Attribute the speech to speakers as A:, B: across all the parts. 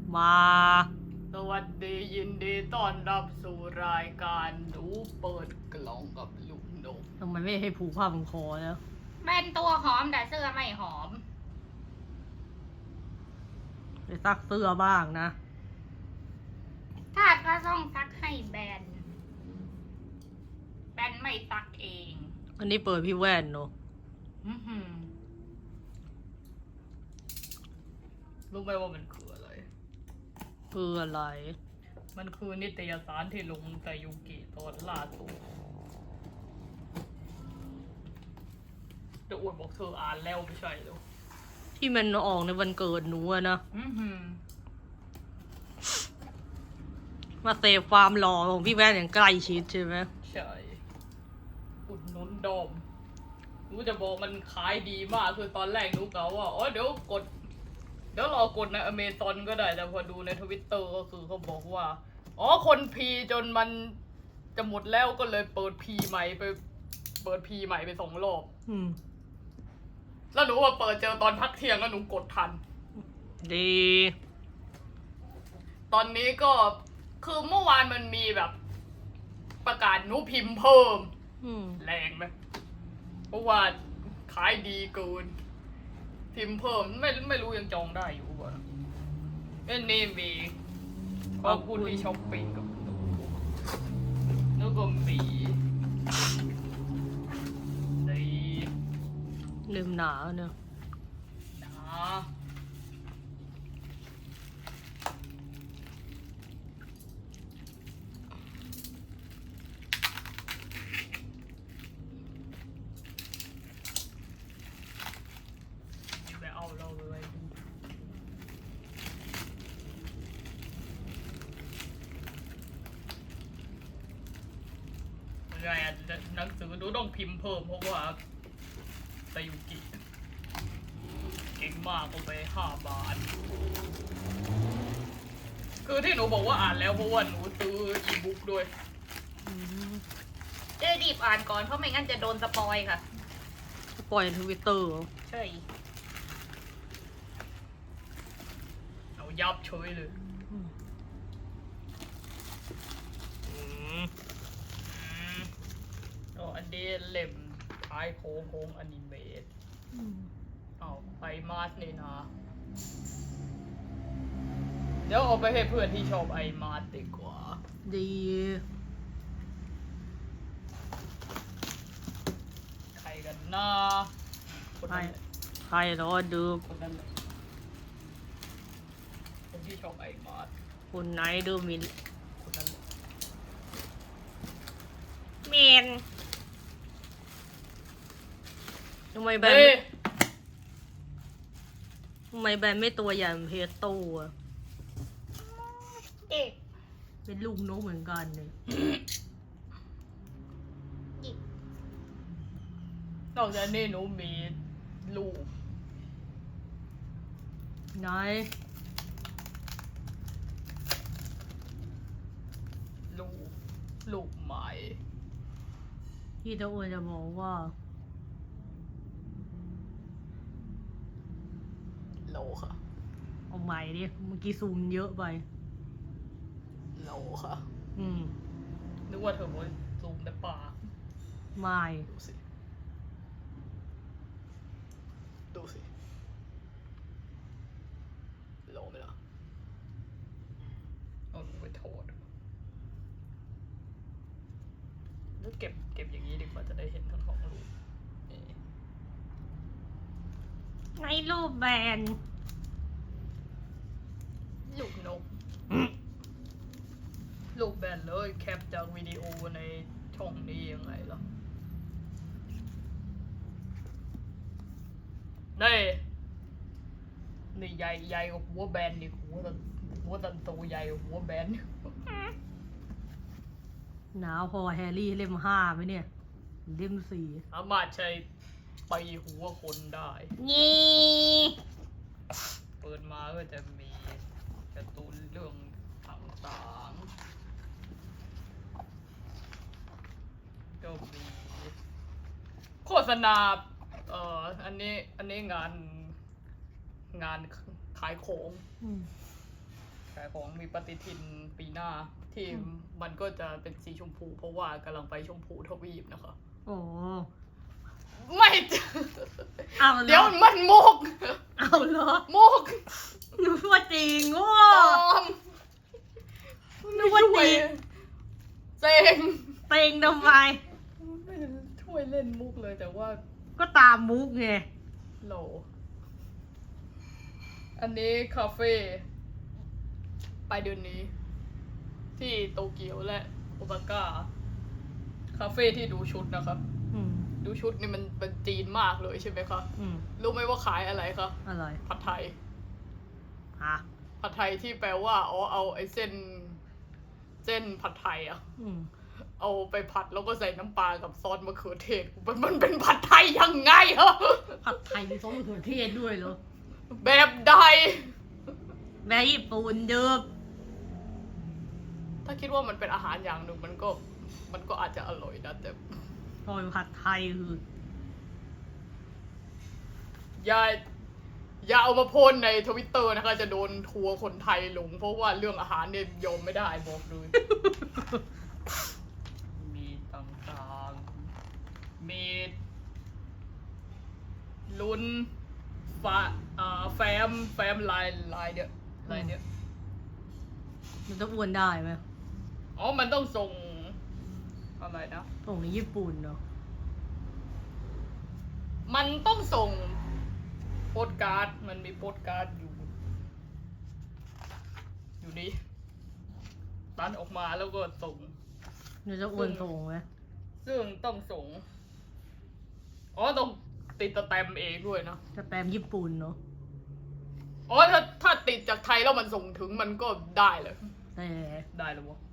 A: มา
B: สวัสดียินดีต้อนรับสู่รายการหนูเปิดกล่องกับลุงนก
A: ทำไมไม่ให้ผูกผ้าพันคอแล้ว
C: เป็นตัวหอมแต่เสื้อไม่หอม
A: ไปซักเสื้อบ้างนะ
C: ถ้าก็ต้องซักให้แบนไม่ซักเอง
A: อันนี้เปิดพี่แว่นเนอะ
C: อื้อหือ
B: รู้ไหมว่ามันคืออะไร
A: คืออะไร
B: มันคือนิตยสารที่ลงแต่ยุกิตอนล่าสุดเดี๋ยวอวดบอกเธออ่านแล้วไม่ใช่เหรอ
A: ที่มันออกในวันเกิดหนูอะนะ
B: อื้อหือ
A: มาเซฟความหล่อของพี่แว่นอย่างใกล้ชิดใช่ไหม
B: ใช่อุดหนุนดอมหนูจะบอกมันขายดีมากคือตอนแรกหนูกะว่าอ๋อเดี๋ยวรอกดในอเมซอนก็ได้แต่พอดูในทวิตเตอร์ก็คือเขาบอกว่าอ๋อคนพีจนมันจะหมดแล้วก็เลยเปิดพีใหม่ไป2 รอบ แล้วหนูว่าเปิดเจอตอนพักเที่ยงแล้วหนูกดทัน
A: ดี
B: ตอนนี้ก็คือเมื่อวานมันมีแบบประกาศหนูพิมพ์เพิ่ม แรงไหมเพราะว่าขายดีเกินพิมพ์เพิ่มไม่รู้ยังจองได้อยู่ป่ะนี่มีขอบคุณที่ช้อปปิ้งกับหนูแล้วก็มีนี่
A: ลืมหนาเนอะ
B: นะไปเอาเราเลยดูไงอ่ะหนังสือหนูต้องพิมพ์เพิ่มเพราะว่าไซยุกิเก่งมากก็ไป5 บาท คือที่หนูบอกว่าอ่านแล้วเพราะว่าหนูซื้ออีบุ๊กด้วย
C: เจ๊รีบอ่านก่อนเพราะไม่งั้นจะโดนสปอยค่ะ
A: ปล่อยทวิตเตอร์
C: ใช่
B: เอายับเฉยเลยอันนี้เล่มท้ายโค้งอนิเมตเอาไปมาสนี่นะเดี๋ยวเอาไปให้เพื่อนที่ชอบไอมาสดีกว่า
A: ดี
B: ใครกันนะคนนั้นแหละ
A: ใครรอดู
B: คนนั้นแหละคนที่ชอบไอมาส
A: คนไหนดูมิน
B: คนนั้นแหละ
A: เมนทำไมแบน
B: เฮ้ย
A: ทำไมแบนไม่ตัวใหญ่เหมือนเพสโต้อะ
C: เด็ก
A: เป็นลูกนกเหมือนกันเลย
C: หยิบ
B: นอกจากนี้หนูมีลูก
A: ไหน
B: ลูกใหม่
A: พี่ตะอ้วนจะบอกว่า
B: โลค่ะ
A: เอาใหม่ดิเมื่อกี้ซูมเยอะไป
B: โลค่ะ นึกว่าเธอบอกซูมแต่ปาก
A: ไม่
B: ดูสิ ดูสิ โลไหมล่ะเอาหนูไปโทษแล้วเก็บอย่างนี้ดีกว่าจะได้เห็นทั้งของลูกนี่
A: ไงรูปแบน
B: ลูกนก ลูกแบนเลยแคปจากวิดีโอในช่องนี้ยังไงล่ะนี่ใหญ่กว่าหัวแบนนี่หัวตันโตใหญ่กว่าหัวแบน
A: หนาวพอแฮร์รี่เล่ม5ไหมเนี่ย เล่ม4
B: สามารถใช้ไปหัวคนได้
A: นี่
B: เปิดมาก็จะมีการ์ตูนเรื่องต่างๆก็มีโฆษณาอันนี้งานขายของของมีปฏิทินปีหน้าที่มันก็จะเป็นสีชมพู เพราะว่ากำลังไปชมพูทวีปนะคะ
A: โอ้
B: ไม่
A: เอาเหรอ
B: เดี๋ยวมันมุก
A: เอาเหรอ
B: มุก
A: นึกว่าจริงโว้
B: ปลอม
A: นึกว่าจริง
B: เซ็ง
A: เต็งทำไม
B: ไม่ช่วยเล่นมุกเลยแต่ว่า
A: ก็ตามมุกไง
B: โหล อันนี้คาเฟ่ไปเดือนนี้ ที่โตเกียวและโอซาก้า คาเฟ่ที่ดูชุดนะครับ
A: อืม
B: ดูชุดนี่มันเป็นจีนมากเลยใช่ไหมคะ
A: อืม
B: รู้ไหมว่าขายอะไรคะ
A: อะไร
B: ผัดไทย
A: ฮะ
B: ผัดไทยที่แปลว่าเอาไอ้เส้นผัดไทยอะ
A: อืม
B: เอาไปผัดแล้วก็ใส่น้ำปลากับซอสมะเขือเทศมันเป็นผัดไทยยังไงฮะ
A: ผัดไทยมีซอสมะเขือเทศด้วยเหรอ
B: แบบใด
A: แม่ญี่ปุ่นเดิม
B: ถ้าคิดว่ามันเป็นอาหารอย่างหนึ่งมันก็อาจจะอร่อยนะแต่
A: พอเป็นผัดไทยคือ
B: อย่าเอามาโพสในทวิตเตอร์นะคะ จะโดนทัวร์คนไทยลง เพราะว่าเรื่องอาหารเนี่ยยอมไม่ได้บอกเลย มีต่างๆ มีลุ้นแฟมลายเนี่ยลายเนี่ย
A: มันจะอ้วนได้ไหม
B: อ๋อ มันต้องส่งอะไรนะ
A: ส่งในญี่ปุ่นเนาะ
B: มันต้องส่งโปสการ์ด มันมีโปสการ์ดอยู่นี่ตัดออกมาแล้วก็ส่ง
A: มันจะอ้วนส่งไหม
B: ซึ่งต้องส่ง อ๋อ ต้องติดสแตมป์เองด้วยนะ
A: จะแปมญี่ปุ่นเนาะ
B: อ๋อ ถ้าติดจากไทยแล้วมันส่งถึงมันก็ได้เลย
A: แต่
B: ได้เลยวะ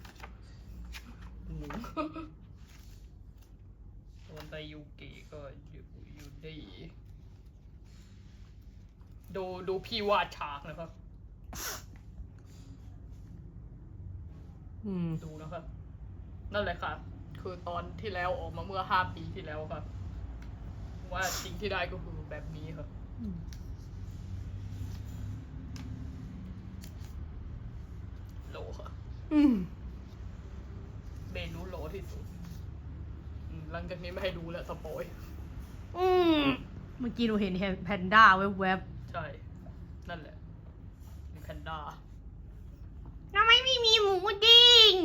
B: งงโอนไตยูกิก็อยู่ดีดูพี่วาดฉากนะครับ
A: อืม
B: ดูนะครับ นั่นแหละค่ะ คือตอนที่แล้วออกมาเมื่อ5 ปีที่แล้วครับ ว่าสิ่งที่ได้ก็คือแบบนี้ครับ
A: อืม
B: โหลค่ะ
A: อืม
B: เมนูโหลที่สุดหลังจากนี้ไม่ให้ดูแล้วสปอย
A: อืมเมื่อกี้หนูเห็นแพนด้าแวบ
B: ใช่ นั่นแหละมีแพนด้า
A: ๆทำไมไม่มีหมูดิ้ง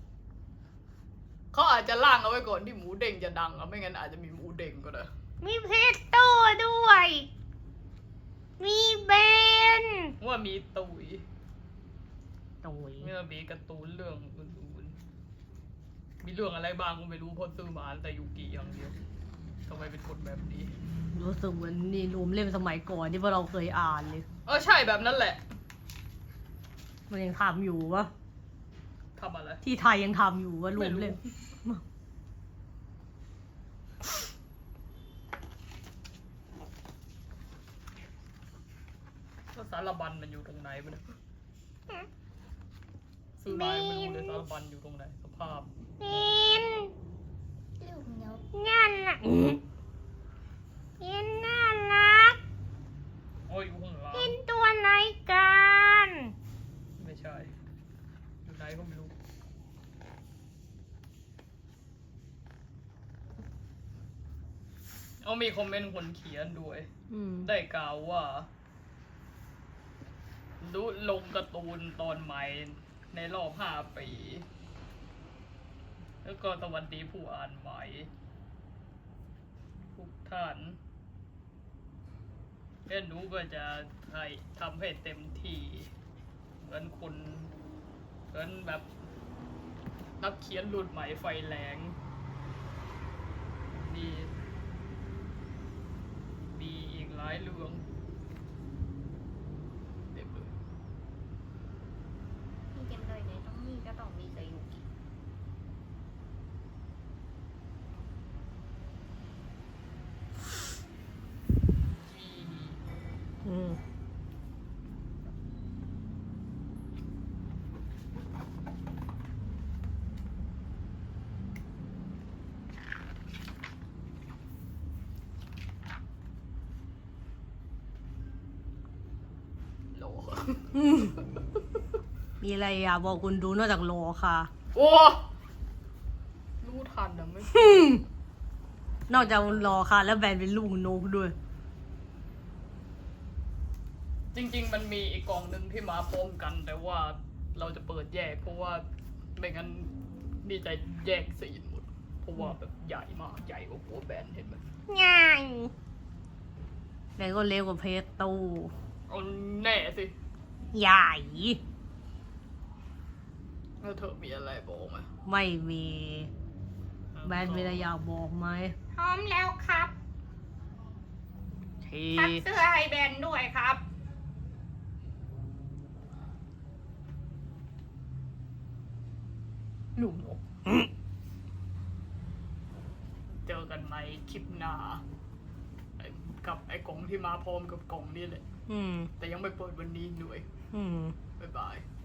B: เขาอาจจะล่างเอาไว้ก่อนที่หมูเด้งจะดังอะไม่งั้นอาจจะมีหมูเด้งก็ได้
A: มีเพสโต้ด้วย มีเบน
B: ว่ามีตุย
A: ตุย
B: เมื่อมีการ์ตูนเรื่องอื่นๆมีเรื่องอะไรบ้างก็ไม่รู้เพราะซื้อมาแต่ยูกิอย่างเดียวทำไมเป็นคนแบบนี้
A: รู้สึกเหมือนนี่รวมเล่มสมัยก่อนที่พวกเราเคยอ่านเลย
B: ใช่แบบนั้นแหละ
A: มันยังทำอยู่วะ
B: ทำอะไร
A: ที่ไทยยังทำอยู่วะรวมเล่ม
B: แล้วสารบัญมันอยู่ตรงไหนมันยซื้อมายังไม่รู้เลยสารบัญอยู่ตรงไหนสภาพ
A: เป็นลูกนกนั่นน่ะเป็นน่ารัก
B: โอ้ยอยู่ข้างหลัง
A: เป็นตัวไหนกัน
B: ไม่ใช่ อยู่ไหนก็ไม่รู้เอามีคอมเมนต์คนเขียนด้วย ได้กล่าวว่าลงการ์ตูนตอนใหม่ในรอบ5 ปี แล้วก็สวัสดีผู้อ่านใหม่ทุกท่านและหนูก็จะทำให้เต็มที่เหมือนแบบนักเขียนรุ่นใหม่ไฟแรงมีอีกหลายเรื่องเต็มเลย
C: มีเต็มเลยไงต้องมีก็ต้องมีกับยูกิ
A: อืม
B: โหล
D: มีอะไรอยากบอกคุณดูนอกจากรอค่ะ
B: โอ้รู้ทันนะไม่
D: นอกจากรอค่ะ แล้วแบนเป็นลูกนกด้วย
B: จริง ๆ มันมีอีกกล่องหนึ่งที่มาพร้อมกัน แต่ว่าเราจะเปิดแยก เพราะว่าไม่งั้นนี่จะแยกสีนหมด เพราะว่าแบบใหญ่มากใหญ่กว่าหัวแบนเห็นไหม
A: ง่าย
D: แบนก็เล็กกว่าเพชรตู้
B: เอาแน่สิ
D: ใหญ่
B: แล้วเธอมีอะไรบอกไหม
D: ไม่มี แบนมีอะไรอยากบอกไหม
C: พร้อมแล้วครับ
D: ที
C: ซักเสื้อให้แบนด้วยครับ
B: ลูกนกเจอกันในคลิปหน้ากับไอ้กล่องที่มาพร้อมกับกล่องนี่แหละ
D: อืม
B: แต่ยังไม่เปิดวันนี้หน่วย
D: อืม
B: บ๊ายบาย